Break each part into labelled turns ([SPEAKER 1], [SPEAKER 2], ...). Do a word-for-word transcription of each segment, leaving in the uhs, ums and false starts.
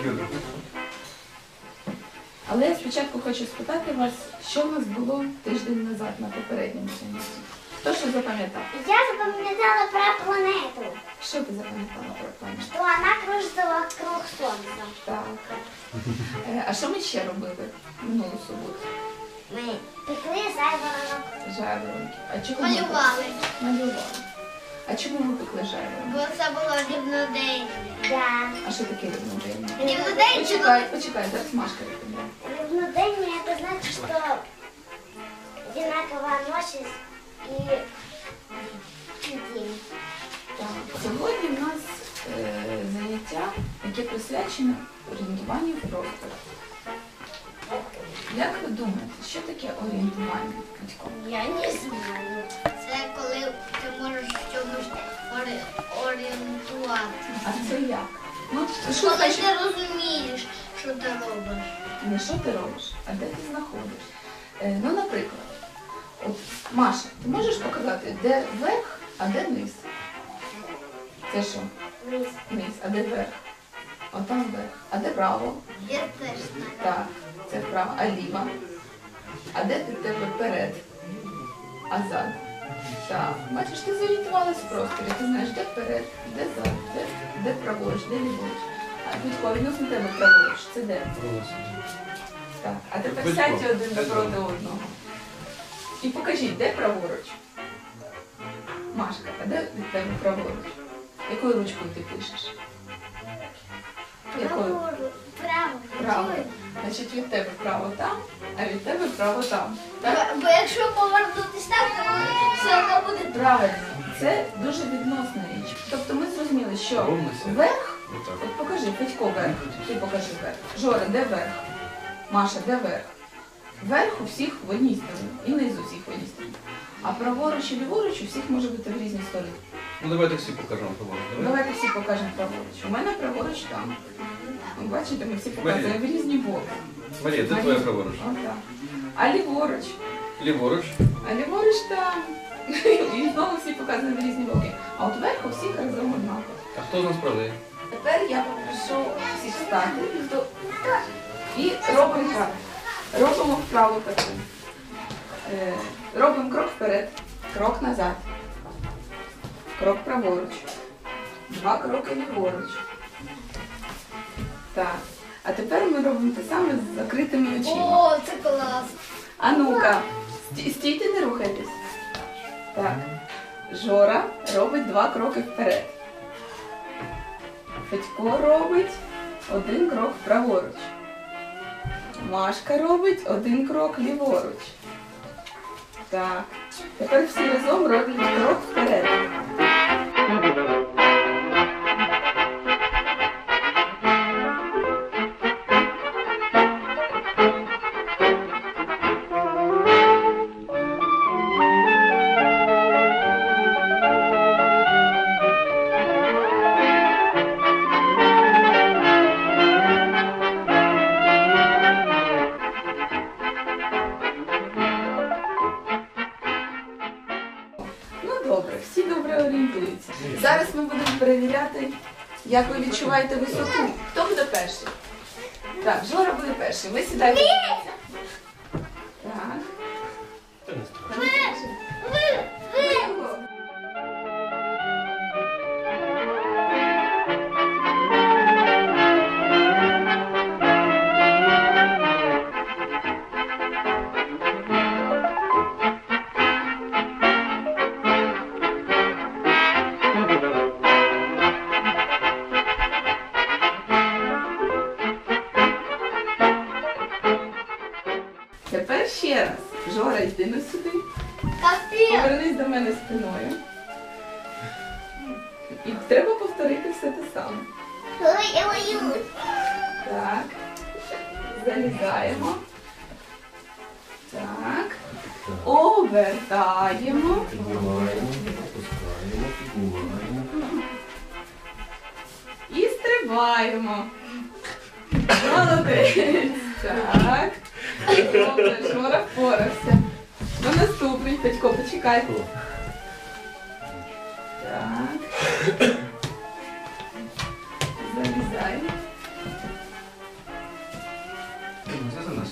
[SPEAKER 1] Але я спочатку хочу спитати вас, що в нас було тиждень назад на попередньому занятті. Хто що запам'ятав?
[SPEAKER 2] Я запам'ятала про планету.
[SPEAKER 1] Що ти запам'ятала про планету?
[SPEAKER 2] Что она кружится вокруг Солнца.
[SPEAKER 1] Так. Е, А що ми ще робили минулу суботу?
[SPEAKER 2] Мы пекли зайворонок.
[SPEAKER 1] Жайворонки. А чого ми
[SPEAKER 3] Малювали.
[SPEAKER 1] пекли? Малювали. А чому ми пекли жайворонки?
[SPEAKER 3] Бо це було рівнодень.
[SPEAKER 2] Да.
[SPEAKER 1] А що таке рівнодень?
[SPEAKER 3] Рівнодень це
[SPEAKER 1] Почекай, почекай, зараз Машка відповідає.
[SPEAKER 2] Равноденье это значит, что одинаковая ночь и день.
[SPEAKER 1] Так. Сьогодні в нас е, заняття, яке присвячене орієнтуванню в просторі. Як ви думаєте, що таке орієнтування, Катько?
[SPEAKER 3] Я не знаю. Це коли ти можеш в чомусь ори- орієнтувати.
[SPEAKER 1] А це як? Ну, що
[SPEAKER 3] Коли
[SPEAKER 1] значить?
[SPEAKER 3] ти розумієш, що ти робиш.
[SPEAKER 1] Не що ти робиш, а де ти знаходиш. Е, ну, наприклад, от, Маша, ти можеш показати, де верх, а де низ? Це що?
[SPEAKER 2] Вниз.
[SPEAKER 1] Низ, а де верх? Отам верх. А де право?
[SPEAKER 3] Я теж знаю.
[SPEAKER 1] Так, це вправо. А ліва? А де ти в тебе перед? А зад? Так. Бачиш, ти зорієнтувалась в просторі. Ти знаєш, де вперед, де зад, де, де праворуч, де ліворуч. А Будько, відносно тебе праворуч. Це де? Так. А тепер
[SPEAKER 4] Будько.
[SPEAKER 1] сядьте один напроти одного. І покажіть, де праворуч? Машка, а де від тебе праворуч? Якою ручкою ти пишеш? Якою?
[SPEAKER 2] Право. Право.
[SPEAKER 1] Право. Значить, від тебе право там, а від тебе право там. Так?
[SPEAKER 3] Бо, бо якщо повернутися так, то все одно буде.
[SPEAKER 1] Правильно. Це дуже відносна річ. Тобто ми зрозуміли, що
[SPEAKER 4] Ровно сядь.
[SPEAKER 1] верх,
[SPEAKER 4] Отак.
[SPEAKER 1] от покажи, Петько верх, ти покажи верх. Жора, де верх? Маша, де верх? Верх у всіх в одній стороні, і низ у всіх в одній стороні. А праворуч і ліворуч у всіх може бути в різні сторони.
[SPEAKER 4] Ну давайте всі покажемо праворуч. Давай.
[SPEAKER 1] Давайте всі покажемо праворуч. У мене праворуч там. Ви бачите, ми всі показуємо в різні боки.
[SPEAKER 4] Марія, де твоя праворуч?
[SPEAKER 1] Отак. А ліворуч?
[SPEAKER 4] Ліворуч.
[SPEAKER 1] А ліворуч там. І знову всі показують в різні боки. А от верх у всіх разом однаково.
[SPEAKER 4] А хто з нас правий?
[SPEAKER 1] Тепер я попрошу всіх встати хто- і робимо так. Робимо вправу таку. Е, Робимо крок вперед, крок назад, крок праворуч, два кроки ліворуч. Так. А тепер ми робимо те саме з закритими очима.
[SPEAKER 3] О, це клас.
[SPEAKER 1] А ну-ка, сті- стійте, не рухайтесь. Так. Жора робить два кроки вперед. Федько робить один крок праворуч. Машка робить один крок ліворуч. Так. Тепер всі разом роблять крок вперед. Ну добре, всі добре орієнтуються. Зараз ми будемо перевіряти, як ви відчуваєте висоту. Хто буде перший? Так, Жора буде перший. Ви сідаєте. Так. Виго. Тепер ще раз. Жора, йди на сюди.
[SPEAKER 3] Капець.
[SPEAKER 1] Повернись до мене спиною. І треба повторити все те саме.
[SPEAKER 2] Ой-ой-ой.
[SPEAKER 1] Так. Залізаємо. Так. Обертаємо.
[SPEAKER 4] Піднімаємо, опускаємо, піднімаємо.
[SPEAKER 1] І стрибаємо. Молодець. Так. Добре, Жора впорався. Ну, наступний, Петько, почекай. Так. Залізаємо.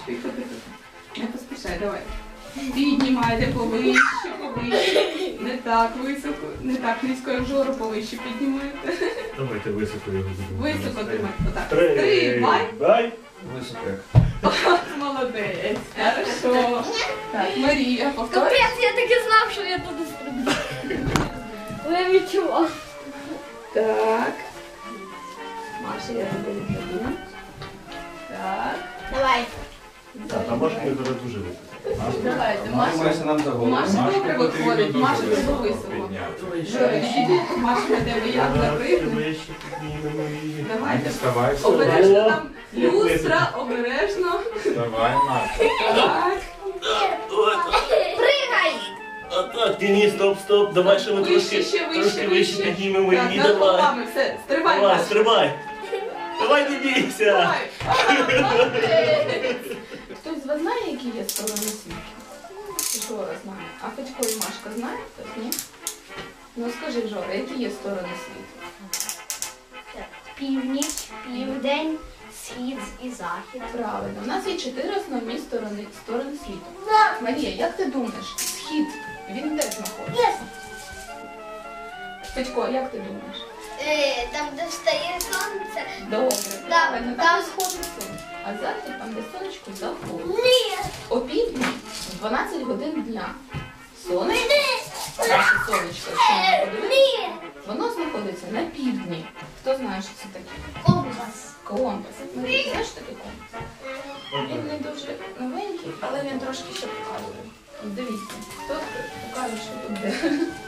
[SPEAKER 1] Тихо, тихо. Не поспішай, давай. Піднімайте повище, повище. Не так високо, не так низько, як Жора, повище піднімаєте.
[SPEAKER 5] Давайте високо його будемо.
[SPEAKER 1] Високо тримай. Отак.
[SPEAKER 5] Три.
[SPEAKER 1] Тримай.
[SPEAKER 5] Дай.
[SPEAKER 4] Високо.
[SPEAKER 1] Молодець. Хорошо. Так, Марія, повторюй.
[SPEAKER 3] Капець, я таки знав, що я туди стрибну. Я відчувала.
[SPEAKER 1] Так. Маша, я тебе відкладу. Так.
[SPEAKER 3] Давай.
[SPEAKER 5] Так, а Машка зараз дуже високо.
[SPEAKER 1] Давайте, Маша.
[SPEAKER 4] Маша нам за голову.
[SPEAKER 1] Маша добре виходить, Маша тебе високо. Жора, відійди, Маша на тебе як наприкне.
[SPEAKER 5] Вище піднімемо її.
[SPEAKER 1] Давайте.
[SPEAKER 6] Вставай,
[SPEAKER 1] Обережно там люстра, обережно.
[SPEAKER 6] вставай, Маш.
[SPEAKER 1] Так.
[SPEAKER 3] Пригай!
[SPEAKER 5] А так, Денис, стоп, стоп, давай ще ми
[SPEAKER 1] Вище,
[SPEAKER 5] трошки,
[SPEAKER 1] ще вище,
[SPEAKER 5] трошки вище
[SPEAKER 1] вище.
[SPEAKER 5] піднімемо
[SPEAKER 1] Так,
[SPEAKER 5] її,
[SPEAKER 1] над
[SPEAKER 5] давай.
[SPEAKER 1] головами, все, стривай,
[SPEAKER 5] Давай,
[SPEAKER 1] Маша.
[SPEAKER 5] стрибай. Давай, не бійся.
[SPEAKER 1] Давай. Ага, молодець. Хтось з вас знає, які є сторони світу? Жора знає. А Федько і Машка знають? Хтось, ні? Ну скажи, Жора, які є сторони світу?
[SPEAKER 3] Північ, південь, схід і захід.
[SPEAKER 1] Правильно. У нас є чотири основні сторони, сторони світу. Марія, як ти думаєш, схід, він де знаходиться? Федько, як ти думаєш?
[SPEAKER 3] Е, там, де встає сонце.
[SPEAKER 1] Добре.
[SPEAKER 3] Да,
[SPEAKER 1] Правильно,
[SPEAKER 3] там-
[SPEAKER 1] там сходить сонце. А захід, там, де сонечко заходить.
[SPEAKER 3] Ні.
[SPEAKER 1] О півдні, в дванадцять годин дня. Сонечко, наше сонечко, якщо ми подивимося,
[SPEAKER 3] Ні.
[SPEAKER 1] воно знаходиться на півдні. Хто знає, що це таке?
[SPEAKER 3] Компас.
[SPEAKER 1] Компас. Марія, знаєш, що таке компас? Він не дуже новенький, але він трошки ще показує. Дивіться, хто покаже, що тут де.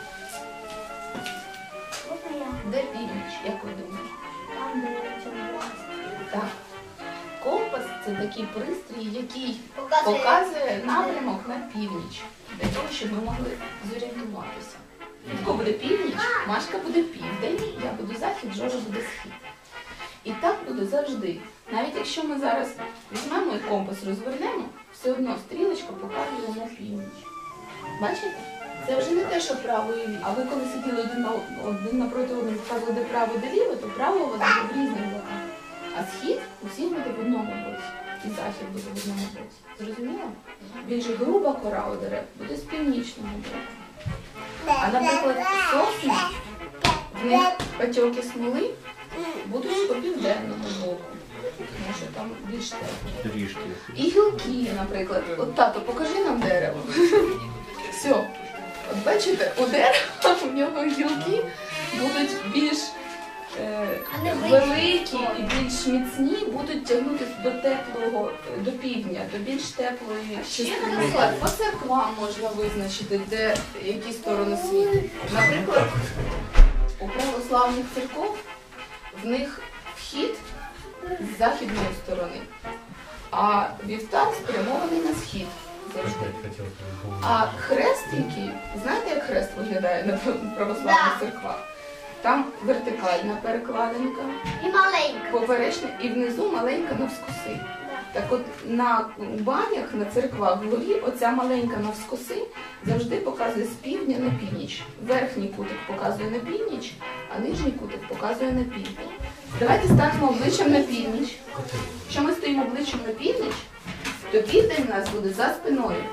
[SPEAKER 1] Де північ, як ви думаєте?
[SPEAKER 3] Там, де червоно.
[SPEAKER 1] Так. Компас це такий пристрій, який
[SPEAKER 3] Показує.
[SPEAKER 1] показує напрямок на північ, для того, щоб ми могли зорієнтуватися. Хто буде північ, Машка буде південь, я буду захід, Жора буде схід. І так буде завжди. Навіть якщо ми зараз візьмемо і компас розвернемо, все одно стрілочка показує на північ. Бачите? Це вже не те, що право і ліво. А ви коли сиділи один, на, один напроти одного, показували де право, де ліво, то право у вас буде в різних боках. А схід усіх буде в одному боці. І захід буде в одному боці. Зрозуміло? Більш груба кора у дерев буде з північного боку. А, наприклад, сосни, в них патьоки смоли будуть по південному боку. Тому що там більш тепло.
[SPEAKER 5] Трішки.
[SPEAKER 1] І гілки, наприклад. От тато, покажи нам дерево. Все. От бачите, у дерева у нього гілки будуть більш е,
[SPEAKER 3] А не
[SPEAKER 1] великі і більш міцні, будуть тягнутися до теплого, до півдня, до більш теплої частини. Наприклад, по церквам можна визначити, де які сторони світу. Наприклад, у православних церков в них вхід з західної сторони, а вівтар спрямований на схід завжди. А хрест, який, знаєте, як хрест виглядає на православних
[SPEAKER 3] Да.
[SPEAKER 1] церквах? Там вертикальна перекладинка,
[SPEAKER 3] І маленька.
[SPEAKER 1] поперечна і внизу маленька навскоси. Так от на банях, на церквах вгорі оця маленька навскоси завжди показує з півдня на північ. Верхній кутик показує на північ, а нижній кутик показує на південь. Давайте станемо обличчям на північ. Якщо ми стоїмо обличчям на північ, то південь у нас буде за спиною.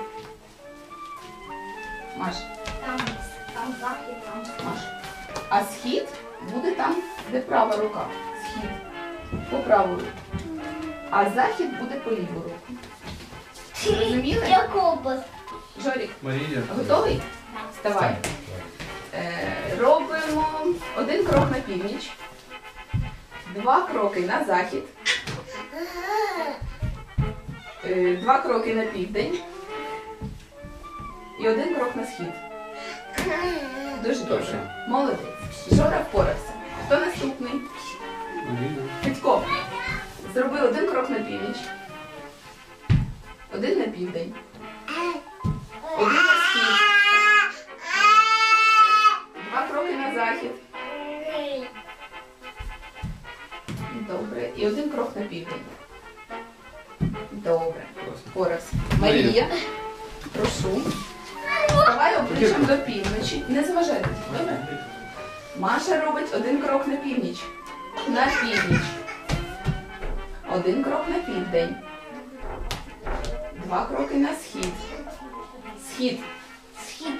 [SPEAKER 1] Маш,
[SPEAKER 3] Там, там захід, там.
[SPEAKER 1] Маш. А схід буде там, де права рука. Схід. По праву руку. А захід буде по ліву руку. Зрозуміли?
[SPEAKER 3] Я компас.
[SPEAKER 1] Жорік,
[SPEAKER 4] Марія.
[SPEAKER 1] готовий? Вставай. Е, робимо один крок на північ, два кроки на захід, е, два кроки на південь і один крок на схід. Дуже добре. Молодець. Жора впорався. Хто наступний?
[SPEAKER 4] Марія.
[SPEAKER 1] Федько. Зроби один крок на північ, один на південь, один на схід, два кроки на захід. Добре. І один крок на південь. Добре. Впорався. Марія, прошу. Вставай обличчям до півночі. Не заважайте. Добре? Маша робить один крок на північ. На північ. Один крок на південь. Два кроки на схід. Схід.
[SPEAKER 3] Схід.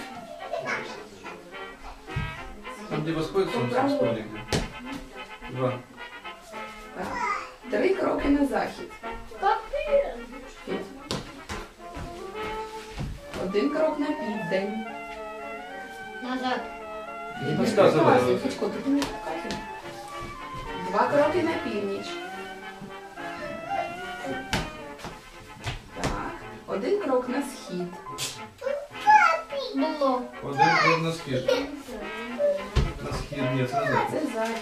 [SPEAKER 4] Там, где восходит солнце, в столике. Два.
[SPEAKER 1] Так. Три кроки на захід. Схід. Один крок на південь.
[SPEAKER 3] Назад.
[SPEAKER 4] Не подсказывай.
[SPEAKER 1] Показуй, Федько, ти не показуй. Два кроки на північ. Так. Один крок на схід.
[SPEAKER 3] Було.
[SPEAKER 4] Один крок на схід. На схід, нет, назад.
[SPEAKER 1] Це захід.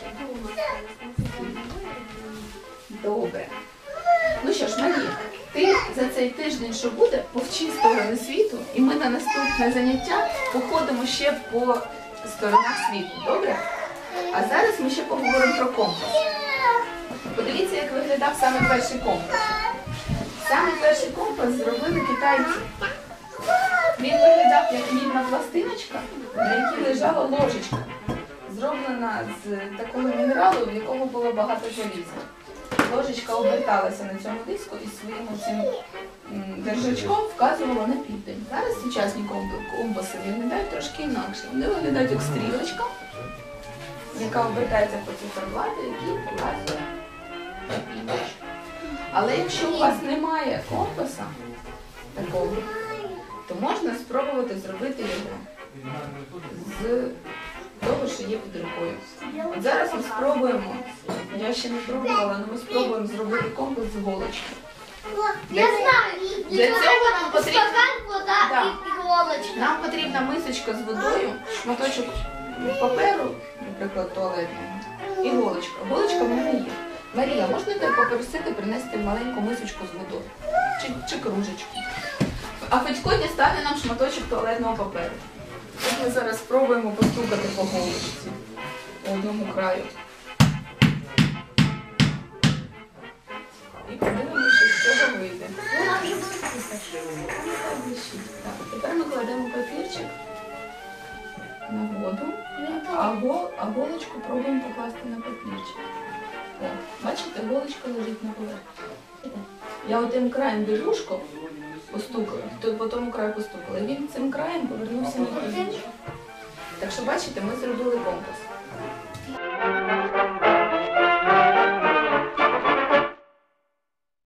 [SPEAKER 1] Добре. Ну що ж, Марія, ти за цей тиждень, що буде, повчи сторони світу, і ми на наступне заняття походимо ще по сторонах світу. Добре? А зараз ми ще поговоримо про компас. Подивіться, як виглядав саме перший компас. Саме перший компас зробили китайці. Він виглядав як мідна пластиночка, на якій лежала ложечка, зроблена з такого мінералу, в якому було багато заліза. Ложечка оберталася на цьому диску і своїм цим держачком вказувала на південь. Зараз сучасні компаси виглядають трошки інакше. Вони виглядають як стрілочка, яка обертається по циферблату, який показує на північ. Але якщо у вас немає компаса такого, то можна спробувати зробити його з того, що є під рукою. От зараз ми спробуємо, я ще не пробувала, але ми спробуємо зробити компас з голочки.
[SPEAKER 3] Я знаю.
[SPEAKER 1] Для цього нам потрібно,
[SPEAKER 3] Стакан, вода
[SPEAKER 1] Да.
[SPEAKER 3] і іголочка.
[SPEAKER 1] нам потрібна мисочка з водою, шматочок паперу, наприклад, туалетного, і голочка. Голочка в мене є. Марія, можна тебе попросити принести маленьку мисочку з водою? Чи, чи кружечку? А Федько дістане нам шматочок туалетного паперу. От ми зараз спробуємо постукати по голочці по одному краю. І подивимося, що з цього вийде. Так, тепер ми кладемо папірчик на воду, а, гол, а голочку пробуємо покласти на папірчик. О, бачите, голочка лежить на поверхні. Я отим краєм біжушко постукала, то по тому краю постукала. І він цим краєм повернувся на північ. Так що, бачите, ми зробили компас.